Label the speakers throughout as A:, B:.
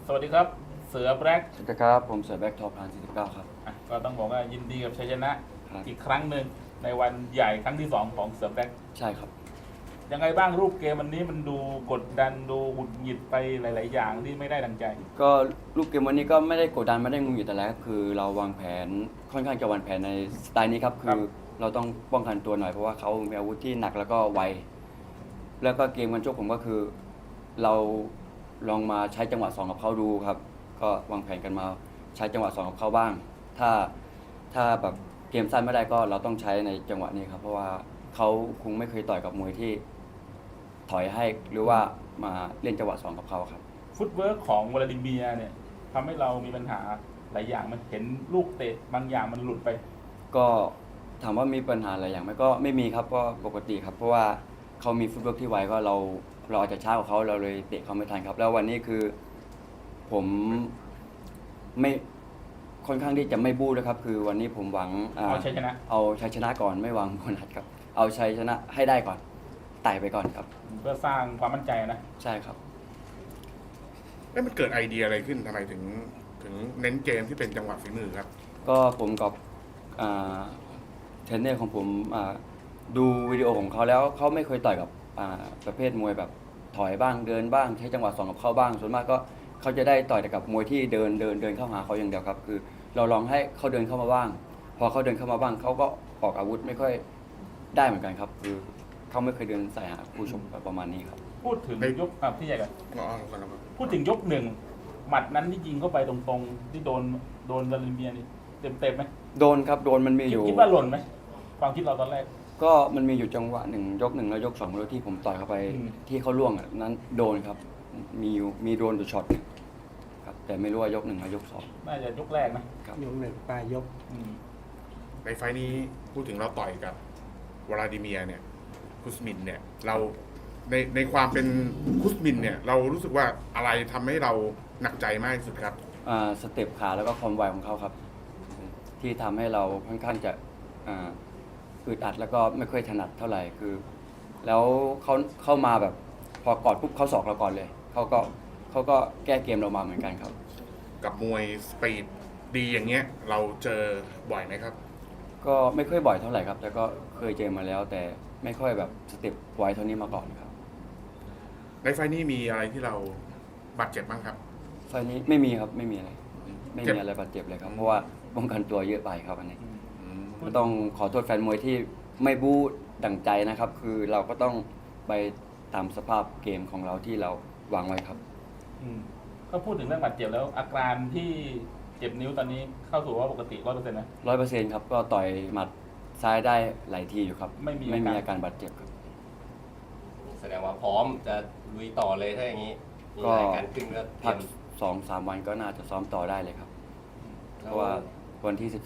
A: สวัสดีครับเสือแบล็ก
B: สวัสดีครับผมเสือแบ็คทอพาน49ครับ
A: ก็ต้องบอกว่ายินดีกับชัยชนะครับ อีกครั้งหนึ่งในวันใหญ่ครั้งที่2ของเสือแบล็ก
B: ใช่ครับ
A: ยังไงบ้างรูปเกมวันนี้มันดูกดดันดูหงุดหงิดไปหลาย ๆ อย่างที่ไม่ได้ดังใจ
B: ก็รูปเกมวันนี้ก็ไม่ได้กดดันไม่ได้งุนอยู่แต่แรกคือเราวางแผนค่อนข้างจะวางแผนในสไตล์นี้ครับคือเราต้องป้องกันตัวหน่อยเพราะว่าเขามีอาวุธที่หนักแล้วก็ไวแล้วก็เกมกันชกผมก็คือ เราลองมาใช้จังหวะ2กับเขาดูครับก็วางแผนกันมาใช้จังหวะ2กับเขาบ้างถ้าแบบเกมสั้นไม่ได้ก็เราต้องใช้ในจังหวะนี้ครับเพราะว่าเขาคงไม่เคยต่อยกับมวยที่ถอยให้หรือว่ามาเล่นจังหวะ2กับเขาครับ
A: ฟุตเวิร์กของวลาดิเมียร์เนี่ยทำให้เรามีปัญหาหลายอย่างมันเห็นลูกเตะบางอย่างมันหลุดไป
B: ก็ถามว่ามีปัญหาอะไรอย่างไหมก็ไม่มีครับก็ปกติครับเพราะว่าเขามีฟุตเวิร์กที่ไวก็เราอาจจะช้ากว่าเขาเราเลยเตะเขาไม่ทันครับแล้ววันนี้คือผมไม่ค่อนข้างที่จะไม่บู้ด้วยครับคือวันนี้ผมหวัง
A: เอาชัยชนะ
B: เอาชัยชนะก่อนไม่หวังโบนัสครับเอาชัยชนะให้ได้ก่อนไต่ไปก่อนครับ
A: เพื่อสร้างความมั่นใจนะ
B: ใช่ครับ
C: แล้วมันเกิดไอเดียอะไรขึ้นทำไมถึงเน้นเกมที่เป็นจังหวะฝีมือครับ
B: ก็ผมกับเทรนเนอร์ของผมดูวิดีโอของเขาแล้วเขาไม่เคยต่อยกับประเภทมวยแบบถอยบ้างเดินบ้างใช้จังหวะ2กับเขาบ้างส่วนมากก็เขาจะได้ต่อยแต่กับมวยที่เดินเข้าหาเขาอย่างเดียวครับคือเราลองให้เขาเดินเข้ามาบ้างพอเขาเดินเข้ามาบ้างเขาก็ออกอาวุธไม่ค่อยได้เหมือนกันครับคือเขาไม่เคยเดินใส่หาผู้ชมประมาณนี้ครับ
A: พูดถึงยกพี่ใหญ่กัน
C: อ๋อครับ
A: พูดถึงยกหนึ่งหมัดนั้นที่ยิงเข้าไปตรงๆที่โดนวลาดิเมียร์นี่เต็มไหม
B: โดนครับโดนมันมีอยู่
A: คิดว่าหล่นไหมความคิดเราตอนแรก
B: ก็มันมีอยู่จังหวะยก 1แล้วยก2แล้วที่ผมต่อยเข้าไปที่เขาล่วงนั้นโดนครับมีโดนอยู่ช็อตครับแต่ไม่รู้ว่ายก1แล้วยก2
A: น่าจะยกแรกนะครับ
D: ยก1ปลายยก
C: ในไฟนี้พูดถึงเราต่อยกับวลาดิเมียร์เนี่ยคุสมินเนี่ยเราในความเป็นคุสมินเนี่ยเรารู้สึกว่าอะไรทำให้เราหนักใจมากที่สุดครับ
B: สเต็ปขาแล้วก็ความไวของเขาครับที่ทำให้เราค่อนข้างจะอึดอัดแล้วก็ไม่ค่อยถนัดเท่าไหร่คือแล้วเขาเข้ามาแบบพอกอดปุ๊บเขาศอกเราก่อนเลยเขาก็แก้เกมเรามาเหมือนกันครับ
C: กับมวยสปีดดีอย่างเงี้ยเราเจอบ่อยไหมครับ
B: ก็ไม่ค่อยบ่อยเท่าไหร่ครับแต่ก็เคยเจอมาแล้วแต่ไม่ค่อยแบบสเต็ปไวเท่านี้มาก่อนครับ
C: ในไฟนี้มีอะไรที่เราบาดเจ็บบ้างครับ
B: ไฟนี้ไม่มีครับไม่มีอะไรบาดเจ็บเลยครับเพราะว่าป้องกันตัวเยอะไปครับอันนี้ก็ต้องขอโทษแฟนมวยที่ไม่บู๊ดั่งใจนะครับคือเราก็ต้องไปตามสภาพเกมของเราที่เราวางไว้ครับ
A: ก็พูดถึงเรื่องบาดเจ็บแล้วอาการที่เจ็บนิ้วตอนนี้เข้าสู่ว่าปกติ100%นะ
B: 100%ครับก็ต่อยหมัดซ้ายได้หลายทีอยู่ครับ
A: ไม่มี
B: อาการบาดเจ็บครับ
E: แสดงว่าพร้อมจะลุยต่อเลยถ้าอย่างนี้มีรายการขึ้นก็
B: พัก2-3 วันก็น่าจะซ้อมต่อได้เลยครับเพราะว่าวันที่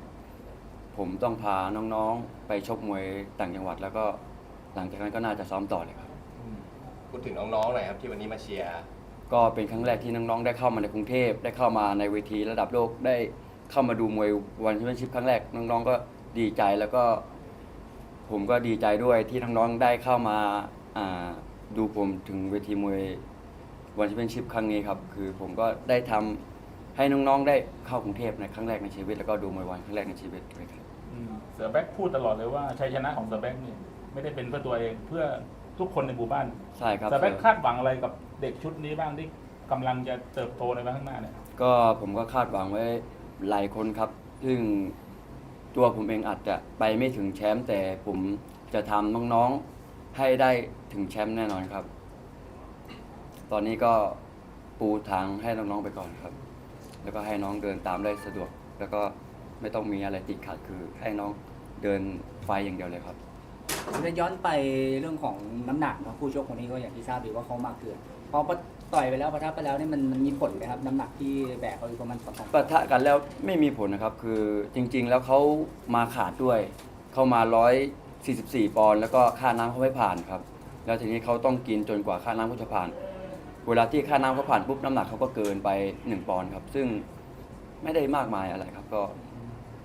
B: 13ผมต้องพาน้องๆไปชกมวยต่างจังหวัดแล้วก็หลังจากนั้นก็น่าจะซ้อมต่อเลยครับ
E: พูดถึงน้องๆหน่อยครับที่วันนี้มาเชียร์
B: ก็เป็นครั้งแรกที่น้องๆได้เข้ามาในกรุงเทพได้เข้ามาในเวทีระดับโลกได้เข้ามาดูมวยวันแชมเปี้ยนชิพครั้งแรกน้องๆก็ดีใจแล้วก็ผมก็ดีใจด้วยที่น้องๆได้เข้ามาดูผมถึงเวทีมวยวันแชมเปี้ยนชิพครั้งนี้ครับคือผมก็ได้ทำให้น้องๆได้เข้ากรุงเทพในครั้งแรกในชีวิตแล้วก็ดูมวยวันครั้งแรกในชีวิตเลยครับ
A: เสือแบ็คพูดตลอดเลยว่าชัยชนะของเสือแบ็คนี่ไม่ได้เป็นเพื่อตัวเองเพื่อทุกคนในหมู่บ้าน
B: ใช่ครับ
A: เสือแบ็คคาดหวังอะไรกับเด็กชุดนี้บ้างที่กำลังจะเติบโตในวันข้างหน้าเนี่ย
B: ก็ผมก็คาดหวังไว้หลายคนครับซึ่งตัวผมเองอาจจะไปไม่ถึงแชมป์แต่ผมจะทำน้องๆให้ได้ถึงแชมป์แน่นอนครับตอนนี้ก็ปูทางให้น้องๆไปก่อนครับแล้วก็ให้น้องเดินตามได้สะดวกแล้วก็ไม่ต้องมีอะไรติดขัดคือให้น้องเดินไฟอย่างเดียวเลยครับ
D: จะย้อนไปเรื่องของน้ำหนักนะคู่ชกคนนี้ก็อย่างที่ทราบดีว่าเขามาเกินพอต่อยไปแล้วปะทะไปแล้วนี่มันมีผลไหมครับน้ำหนักที่แบกเขาอยู่ประมาณ2
B: ปะทะกันแล้วไม่มีผลนะครับคือจริงๆแล้วเขามาขาดด้วยเข้ามา144 ปอนด์แล้วก็ค่าน้ำเขาไม่ผ่านครับแล้วทีนี้เขาต้องกินจนกว่าค่าน้ำเขาจะผ่านเวลาที่ค่าน้ำเขาผ่านปุ๊บน้ำหนักเขาก็เกินไป1 ปอนด์ครับซึ่งไม่ได้มากมายอะไรครับก็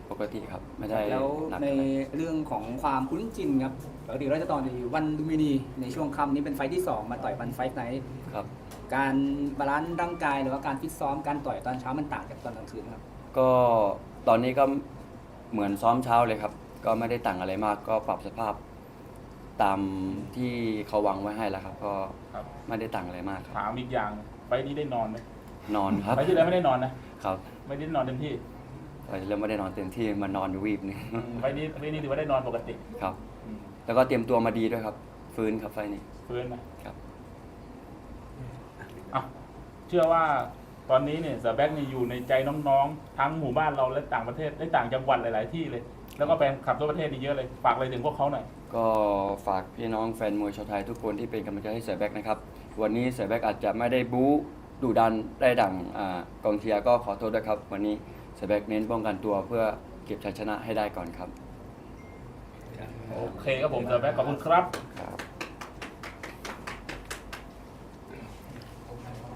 B: ปกติครับไม่ได้
D: แล้ว
B: หนัก
D: ใน
B: อะไร
D: เรื่องของความคุ้นชินครับปกติเราจะต่อยวันลุมพินีในช่วงค่ำนี้เป็นไฟท์ที่ 2 มาต่อยวันไฟท์ไหน
B: ครับ
D: การบาลานซ์ร่างกายหรือว่าการฟิตซ้อมการต่อยตอนเช้ามันต่างจากตอนกลางคืนครับ
B: ก็ตอนนี้ก็เหมือนซ้อมเช้าเลยครับ ก็ไม่ได้ต่างอะไรมากก็ปรับสภาพตามที่เขาวางไว้ให้แล้วครับ ก็
A: ครับ
B: ไม่ได้ต่างอะไรมากครับ
A: ถามอีกอย่างไฟล์นี้ได้นอนไหม
B: นอนครับ
A: ไฟล์ที่แล้วไม่ได้นอนนะครับ ไม่ได้นอนเต็มที่
B: ไปเริ่มไม่ได้นอนเต็มที่มานอนอยู่วีบหนึง
A: ไฟล์นี้ถือว่าได้นอนปกติ
B: ครับ
A: อืม
B: แล้วก็เตรียมตัวมาดีด้วยครับ ฟื้นครับไฟล์นี้
A: ฟื้นนะครับ อ่ะเชื่อว่าตอนนี้เนี่ยเสือแบ็กเนี่ยอยู่ในใจน้องๆ ทั้งหมู่บ้านเราและต่างประเทศและต่างจังหวัดหลาย ๆ ที่เลย แล้วก็แฟนคลับทั่วประเทศนี่เยอะเลย ฝากอะไรถึงพวกเขาหน่อย
B: ก็ฝากพี่น้องแฟนมวยชาวไทยทุกคนที่เป็นกำลังใจให้เสือแบ็กนะครับ วันนี้เสือแบ็กอาจจะไม่ได้บู๊ดุดันได้ดังกองเชียร์ก็ขอโทษด้วยครับ วันนี้เสือแบ็กเน้นป้องกันตัวเพื่อเก็บชัยชนะให้ได้ก่อนครับ
A: โอเคครับผมเสือแบ็กขอบคุณครับ
B: ครับ